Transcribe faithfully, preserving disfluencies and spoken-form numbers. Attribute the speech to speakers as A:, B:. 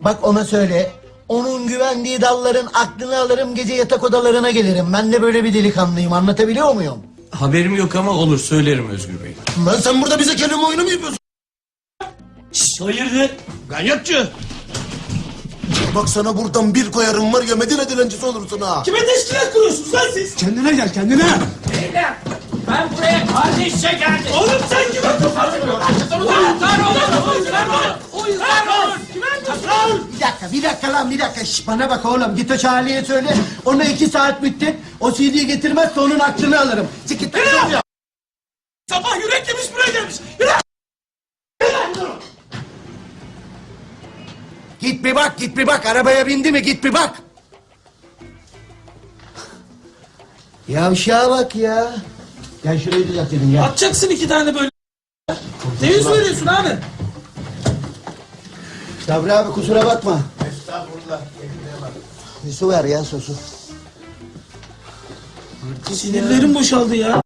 A: Bak ona söyle. Onun güvendiği dalların aklını alırım, gece yatak odalarına gelirim. Ben de böyle bir delikanlıyım, anlatabiliyor muyum?
B: Haberim yok ama olur, söylerim Özgür Bey.
C: Lan sen burada bize kelime oyunu mu yapıyorsun?
B: Şşş, hayırdır?
C: Ganyatçı! Bak sana buradan bir koyarım var ya, Medine dilencisi olursun ha.
B: Kime teşkilat kuruyorsunuz lan siz?
C: Kendine gel, kendine!
D: Beyler, ben buraya kardeşçe geldim.
B: Oğlum sen kime kafa
D: Uyuzlar olur, uyuzlar olur, uyuzlar olur.
A: Bir dakika, bir dakika lan, bir dakika. Şş, bana bak oğlum, git o Charlie'ye söyle. Ona iki saat bitti. O C D'yi getirmezse onun aklını alırım. Çık git lan.
B: Ya! Sabah yürek yemiş buraya gelmiş. Yürü!
A: Git bir bak, git bir bak. Arabaya bindi mi? Git bir bak. Yavşağa bak ya. Gel şurayı düzeltelim ya.
B: Atacaksın iki tane böyle. Ne yüz veriyorsun abi?
A: Sabri abi kusura bakma. Estağfurullah. Bir su ver ya, su su.
B: Sinirlerim boşaldı ya.